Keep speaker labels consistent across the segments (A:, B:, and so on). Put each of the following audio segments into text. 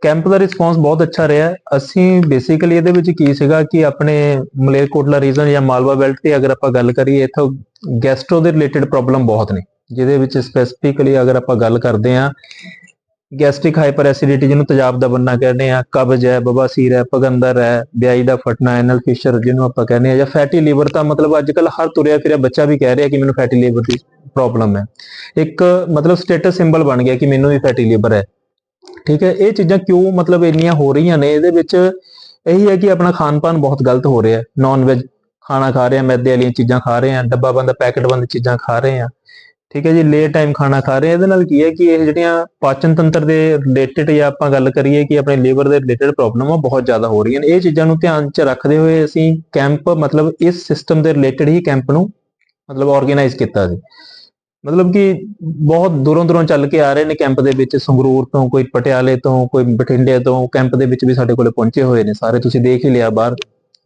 A: Camp ਦਾ response ਬਹੁਤ ਅੱਛਾ ਰਿਹਾ। ਅਸੀਂ ਬੇਸਿਕਲੀ ਇਹਦੇ ਵਿੱਚ ਕੀ ਸੀਗਾ ਕਿ ਆਪਣੇ ਮਲੇਰਕੋਟਲਾ ਰੀਜਨ ਜਾਂ ਮਾਲਵਾ ਬੈਲਟ ਦੀ ਅਗਰ ਆਪਾਂ ਗੱਲ ਕਰੀਏ, ਇੱਥੋਂ ਗੈਸਟ੍ਰੋ ਦੇ ਰਿਲੇਟਡ ਪ੍ਰੋਬਲਮ ਬਹੁਤ ਨੇ, ਜਿਹਦੇ ਵਿੱਚ ਸਪੈਸੀਫਿਕਲੀ ਅਗਰ ਆਪਾਂ ਗੱਲ ਕਰਦੇ ਹਾਂ ਗੈਸਟ੍ਰਿਕ ਹਾਈਪਰ ਐਸਿਡਿਟੀ, ਜਿਹਨੂੰ ਤੇਜ਼ਾਬ ਦਾ ਬੰਨਾ ਕਹਿੰਦੇ ਆ, ਕਬਜ਼ ਹੈ, ਬਵਾਸੀਰ ਹੈ, ਪਗੰਦਰ ਹੈ, ਬਿਆਈ ਦਾ ਫਟਣਾ, ਐਨਲ ਫਿਸ਼ਰ ਜਿਹਨੂੰ ਆਪਾਂ ਕਹਿੰਦੇ ਆ, ਜਾਂ ਫੈਟੀ ਲੀਵਰ। ਤਾਂ ਮਤਲਬ ਅੱਜ ਕੱਲ ਹਰ ਤੁਰਿਆ ਫਿਰਿਆ ਬੱਚਾ ਵੀ ਕਹਿ ਰਿਹਾ ਕਿ ਮੈਨੂੰ ਫੈਟੀ ਲੀਵਰ ਦੀ ਪ੍ਰੋਬਲਮ ਹੈ। ਇੱਕ ਮਤਲਬ ਸਟੇਟਸ ਸਿੰਬਲ ਬਣ ਗਿਆ ਕਿ ਮੈਨੂੰ ਵੀ ਫੈਟੀ ਲੀਵਰ ਹੈ। ਠੀਕ ਹੈ, ਇਹ ਚੀਜ਼ਾਂ ਕਿਉਂ ਮਤਲਬ ਇੰਨੀਆਂ ਹੋ ਰਹੀਆਂ ਨੇ? ਇਹਦੇ ਵਿੱਚ ਇਹੀ ਹੈ ਕਿ ਆਪਣਾ ਖਾਣ ਪਾਨ ਬਹੁਤ ਗਲਤ ਹੋ ਰਿਹਾ। ਨਾਨ ਵੈਜ ਖਾਣਾ ਖਾ ਰਹੇ ਆ, ਮੈਦੇ ਵਾਲੀਆਂ ਚੀਜ਼ਾਂ ਖਾ ਰਹੇ ਆ, ਡੱਬਾ ਬੰਦ ਪੈਕਟ ਬੰਦ ਚੀਜ਼ਾਂ ਖਾ ਰਹੇ ਆ। ਠੀਕ ਹੈ ਜੀ, ਲੇਟ ਟਾਈਮ ਖਾਣਾ ਖਾ ਰਹੇ ਆ। ਇਹਦੇ ਨਾਲ ਕੀ ਹੈ ਕਿ ਇਹ ਜਿਹੜੀਆਂ ਪਾਚਨ ਤੰਤਰ ਦੇ ਰਿਲੇਟਡ ਜਾਂ ਆਪਾਂ ਗੱਲ ਕਰੀਏ ਕਿ ਆਪਣੇ ਲੀਵਰ ਦੇ ਰਿਲੇਟਡ ਪ੍ਰੋਬਲਮ ਆ ਬਹੁਤ ਜ਼ਿਆਦਾ ਹੋ ਰਹੀਆਂ ਨੇ। ਇਹ ਚੀਜ਼ਾਂ ਨੂੰ ਧਿਆਨ 'ਚ ਰੱਖਦੇ ਹੋਏ ਅਸੀਂ ਕੈਂਪ ਮਤਲਬ ਇਸ ਸਿਸਟਮ ਦੇ ਰਿਲੇਟਡ ਹੀ ਕੈਂਪ ਨੂੰ ਮਤਲਬ ਆਰਗੇਨਾਈਜ਼ ਕੀਤਾ ਸੀ। ਮਤਲਬ ਕਿ ਬਹੁਤ ਦੂਰੋਂ ਚੱਲ ਕੇ ਆ ਰਹੇ ਨੇ ਕੈਂਪ ਦੇ ਵਿੱਚ, ਸੰਗਰੂਰ ਤੋਂ, ਕੋਈ ਪਟਿਆਲੇ ਤੋਂ, ਕੋਈ ਬਠਿੰਡੇ ਤੋਂ। ਕੈਂਪ ਦੇ ਵਿੱਚ ਵੀ ਸਾਡੇ ਕੋਲੇ ਪਹੁੰਚੇ ਹੋਏ ਨੇ ਸਾਰੇ, ਤੁਸੀਂ ਦੇਖ ਹੀ ਲਿਆ ਬਾਹਰ।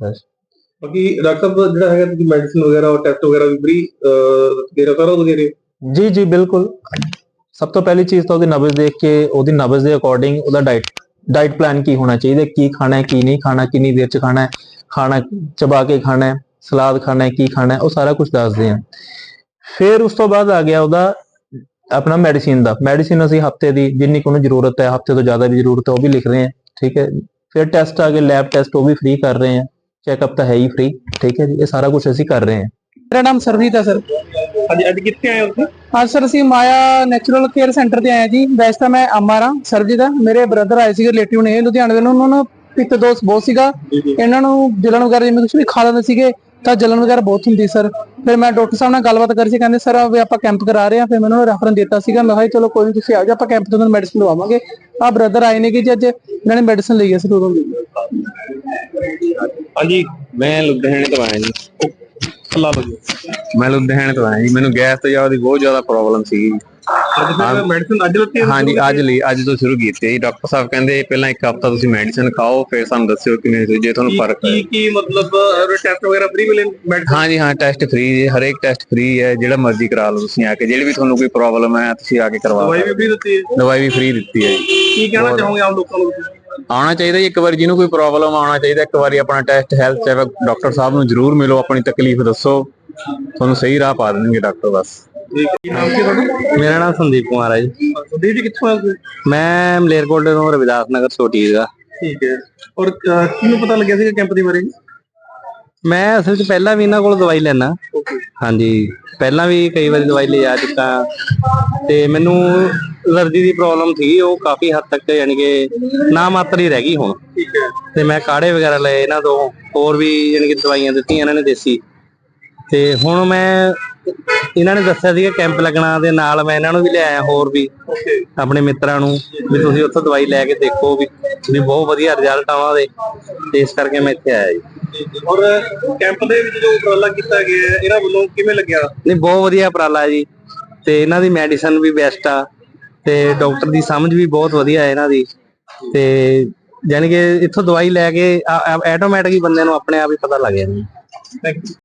B: ਬਾਕੀ ਡਾਕਟਰ ਸਾਹਿਬ ਜਿਹੜਾ ਹੈਗਾ ਤੁਸੀਂ ਮੈਡੀਸਿਨ ਵਗੈਰਾ ਔਰ ਟੈਸਟ ਵਗੈਰਾ ਵੀ ਫ੍ਰੀ ਦੇ ਰਹੇ ਸਾਰਾ ਦੇ ਰਹੇ?
A: ਜੀ ਜੀ ਬਿਲਕੁਲ। ਸਭ ਤੋਂ ਪਹਿਲੀ ਚੀਜ਼ ਤਾਂ ਉਹਦੀ ਨਬਜ਼ ਦੇਖ ਕੇ, ਉਹਦੀ ਨਬਜ਼ ਦੇ ਅਕੋਰਡਿੰਗ ਉਹਦਾ ਡਾਈਟ ਪਲਾਨ ਕੀ ਹੋਣਾ ਚਾਹੀਦਾ, ਕੀ ਖਾਣਾ ਹੈ, ਕੀ ਨਹੀਂ ਖਾਣਾ, ਕਿੰਨੀ ਦੇਰ 'ਚ ਖਾਣਾ ਹੈ, ਖਾਣਾ ਚਬਾ ਕੇ ਖਾਣਾ ਹੈ, ਸਲਾਦ ਖਾਣਾ ਹੈ, ਕੀ ਖਾਣਾ ਹੈ, ਉਹ ਸਾਰਾ ਕੁਝ ਦੱਸਦੇ ਆ। ਫਿਰ ਉਸ ਤੋਂ ਬਾਅਦ ਆ ਗਿਆ ਉਹਦਾ ਆਪਣਾ ਮੈਡੀਸਿਨ ਦਾ। ਮੈਡੀਸਿਨ ਅਸੀਂ ਹਫਤੇ ਦੀ ਜਿੰਨੀ ਕੁ ਉਹਨੂੰ ਜ਼ਰੂਰਤ ਹੈ, ਹਫਤੇ ਤੋਂ ਜ਼ਿਆਦਾ ਵੀ ਜ਼ਰੂਰਤ ਹੈ, ਉਹ ਵੀ ਲਿਖ ਰਹੇ ਹਾਂ। ਠੀਕ ਹੈ, ਫਿਰ ਟੈਸਟ ਆ ਗਏ, ਲੈਬ ਟੈਸਟ, ਉਹ ਵੀ ਫ੍ਰੀ ਕਰ ਰਹੇ ਹਾਂ। ਚੈੱਕਅਪ ਤਾਂ ਹੈ ਹੀ ਫ੍ਰੀ। ਠੀਕ ਹੈ ਜੀ, ਇਹ ਸਾਰਾ ਕੁਝ ਅਸੀਂ ਕਰ ਰਹੇ ਹਾਂ।
C: ਮੇਰਾ ਨਾਮ ਸਰਜੀਤ ਹੈ ਸਰ।
B: ਅੱਜ ਕਿੱਥੇ ਆਏ ਹੋ ਤੁਸੀਂ?
C: ਅੱਜ ਸਰ ਅਸੀਂ ਮਾਇਆ ਨੈਚੁਰਲ ਕੇਅਰ ਸੈਂਟਰ ਤੇ ਆਏ ਜੀ। ਵੈਸੇ ਤਾਂ ਮੈਂ ਅਮਰ ਹਾਂ, ਸਰਜੀਤ ਹੈ। ਮੇਰੇ ਬ੍ਰਦਰ ਆਏ ਸੀਗੇ, ਰਿਲੇਟਿਵ ਨੇ ਲੁਧਿਆਣੇ ਦੇ। ਉਹਨਾਂ ਨੂੰ ਪਿੱਤ ਦੋਸ਼ ਬਹੁਤ ਸੀਗਾ, ਇਹਨਾਂ ਨੂੰ ਜਲਨ ਵਗੈਰਾ ਜਿਵੇਂ ਕੁਝ ਵੀ ਖਾ ਲੈਂਦੇ ਸੀਗੇ ਤਾਂ ਜਲਨ ਵਗੈਰਾ ਬਹੁਤ ਹੁੰਦੀ ਸਰ। ਫਿਰ ਮੈਂ ਡਾਕਟਰ ਸਾਹਿਬ ਨਾਲ ਗੱਲਬਾਤ ਕਰੀ ਸੀ, ਕਹਿੰਦੇ ਸਰ ਵੀ ਆਪਾਂ ਕੈਂਪ ਕਰਾ ਰਹੇ ਹਾਂ। ਫਿਰ ਮੈਨੂੰ ਰੈਫਰਨ ਦਿੱਤਾ ਸੀਗਾ। ਮੈਂ ਕਿਹਾ ਚਲੋ ਕੋਈ ਨਹੀਂ, ਤੁਸੀਂ ਆ ਜਾਓ, ਆਪਾਂ ਕੈਂਪ ਤੋਂ ਤੁਹਾਨੂੰ ਮੈਡੀਸਿਨ ਲਵਾਵਾਂਗੇ। ਆਹ ਬ੍ਰਦਰ ਆਏ ਨੇ ਕਿ ਜੀ ਅੱਜ ਇਹਨਾਂ ਨੇ ਮੈਡੀਸਿਨ ਲਈ ਹੈ ਸਰ ਉਦੋਂ ਦੀ।
D: ਹਾਂਜੀ, ਮੈਂ ਲੁਧਿਆਣੇ ਤੋਂ ਆਇਆ ਜੀ। ਮੈਂ ਲੁਧਿਆਣੇ ਤੋਂ ਆਇਆ ਜੀ। ਮੈਨੂੰ ਗੈਸ ਤੋਂ ਜ਼ਿਆਦਾ ਬਹੁਤ ਜ਼ਿਆਦਾ ਪ੍ਰੋਬਲਮ ਸੀਗੀ।
B: ਮੈਡੀਸਿਨ ਅੱਜ ਲੱਤੀ?
D: ਹਾਂਜੀ, ਅੱਜ ਤੋਂ ਸ਼ੁਰੂ ਕੀਤੀ ਹੈ ਜੀ। ਡਾਕਟਰ ਸਾਹਿਬ ਕਹਿੰਦੇ ਪਹਿਲਾਂ ਇੱਕ ਹਫ਼ਤਾ ਤੁਸੀਂ ਮੈਡੀਸਿਨ ਖਾਓ, ਫਿਰ ਸਾਨੂੰ ਦੱਸਿਓ ਕਿਵੇਂ ਜੇ ਤੁਹਾਨੂੰ ਫਰਕ ਹੈ।
B: ਕੀ ਮਤਲਬ ਟੈਸਟ ਵਗੈਰਾ ਫ੍ਰੀ ਮਿਲੇ?
D: ਹਾਂਜੀ ਹਾਂ, ਟੈਸਟ ਫ੍ਰੀ ਜੀ, ਹਰੇਕ ਟੈਸਟ ਫ੍ਰੀ ਹੈ। ਜਿਹੜਾ ਮਰਜ਼ੀ ਕਰਾ ਲਓ ਤੁਸੀਂ ਆ ਕੇ, ਜਿਹੜੀ ਵੀ ਤੁਹਾਨੂੰ ਕੋਈ ਪ੍ਰੋਬਲਮ ਹੈ ਤੁਸੀਂ ਆ ਕੇ ਕਰਵਾ ਲਓ।
B: ਦਵਾਈ ਵੀ ਫ੍ਰੀ ਦਿੱਤੀ ਹੈ?
D: ਦਵਾਈ ਵੀ ਫ੍ਰੀ ਦਿੱਤੀ ਹੈ ਜੀ।
B: ਕੀ ਕਹਿਣਾ ਚਾਹੋਗੇ ਆਮ ਲੋਕਾਂ ਨੂੰ?
D: ਆਉਣਾ ਚਾਹੀਦਾ ਜੀ ਇੱਕ ਵਾਰੀ, ਜਿਹਨੂੰ ਕੋਈ ਪ੍ਰੋਬਲਮ ਆਉਣਾ ਚਾਹੀਦਾ ਇੱਕ ਵਾਰੀ। ਆਪਣਾ ਟੈਸਟ, ਹੈਲਥ ਚੈੱਕ ਡਾਕਟਰ ਸਾਹਿਬ ਨੂੰ ਜ਼ਰੂਰ ਮਿਲੋ, ਆਪਣੀ ਤਕਲੀਫ ਦੱਸੋ, ਤੁਹਾਨੂੰ ਸਹੀ ਰਾਹ ਪਾ ਦੇਣਗੇ ਡਾਕਟਰ। ਬਸ।
B: ਕੀ ਨਾਮ ਕੀ ਤੁਹਾਡਾ?
D: ਮੇਰਾ ਨਾਮ ਸੰਦੀਪ ਕੁਮਾਰ ਹੈ ਜੀ।
B: ਸੰਦੀਪ ਜੀ ਕਿੱਥੋਂ ਆਏ?
D: ਮੈਂ ਮਲੇਰਕੋਟਲੇ ਤੋਂ, ਰਵਿਦਾਸ ਨਗਰ ਛੋਟੀ ਦਾ।
B: ਠੀਕ ਹੈ। ਔਰ ਕਿਹਨੂੰ ਪਤਾ ਲੱਗਿਆ ਸੀ ਕੈਂਪ ਦੇ ਬਾਰੇ?
D: ਮੈਂ ਅਸਲ 'ਚ ਪਹਿਲਾਂ ਵੀ ਇਹਨਾਂ ਕੋਲ ਦਵਾਈ ਲੈਣਾ। ਹਾਂਜੀ, ਪਹਿਲਾਂ ਵੀ ਕਈ ਵਾਰੀ ਦਵਾਈ ਲਿਆ ਚੁੱਕਾ ਤੇ ਮੈਨੂੰ ਐਲਰਜੀ ਦੀ ਪ੍ਰੋਬਲਮ ਸੀ, ਉਹ ਕਾਫੀ ਹੱਦ ਤੱਕ ਯਾਨੀ ਕਿ ਨਾ ਮਾਤਰ ਹੀ ਰਹਿ ਗਈ ਹੁਣ।
B: ਠੀਕ ਹੈ।
D: ਤੇ ਮੈਂ ਕਾੜੇ ਵਗੈਰਾ ਲਏ ਇਹਨਾਂ ਤੋਂ, ਹੋਰ ਵੀ ਯਾਨੀ ਕਿ ਦਵਾਈਆਂ ਦਿੱਤੀਆਂ ਇਹਨਾਂ ਨੇ ਦੇਸੀ। ਤੇ ਹੁਣ ਮੈਂ ਇਹਨਾਂ ਨੇ ਦੱਸਿਆ ਸੀਗਾ ਕੈਂਪ ਲੱਗਣਾ ਦੇ ਨਾਲ ਮੈਂ ਇਹਨਾਂ ਨੂੰ ਵੀ ਲਿਆਇਆ, ਹੋਰ ਵੀ ਆਪਣੇ ਮਿੱਤਰਾਂ ਨੂੰ, ਵੀ ਤੁਸੀਂ ਉੱਥੋਂ ਦਵਾਈ ਲੈ ਕੇ ਦੇਖੋ ਵੀ ਬਹੁਤ ਵਧੀਆ ਰਿਜ਼ਲਟ ਆਉਣਾ ਉਹਦੇ। ਤੇ ਇਸ ਕਰਕੇ ਮੈਂ ਇੱਥੇ ਆਇਆ ਜੀ।
B: ਔਰ ਕੈਂਪ ਦੇ ਵਿੱਚ ਜੋ ਉਪਰਾਲਾ ਕੀਤਾ ਗਿਆ ਇਹਨਾਂ ਵੱਲੋਂ ਕਿਵੇਂ ਲੱਗਿਆ?
D: ਨਹੀਂ, ਬਹੁਤ ਵਧੀਆ ਉਪਰਾਲਾ ਜੀ। ਤੇ ਇਹਨਾਂ ਦੀ ਮੈਡੀਸਨ ਵੀ ਬੈਸਟ ਆ, ਤੇ ਡਾਕਟਰ ਦੀ ਸਮਝ ਵੀ ਬਹੁਤ ਵਧੀਆ ਹੈ ਇਹਨਾਂ ਦੀ। ਤੇ ਯਾਨੀ ਕਿ ਇੱਥੋਂ ਦਵਾਈ ਲੈ ਕੇ ਆਟੋਮੈਟਿਕ ਹੀ ਬੰਦੇ ਨੂੰ ਆਪਣੇ ਆਪ ਹੀ ਪਤਾ ਲੱਗ ਜਾਂਦਾ।
B: Thank you.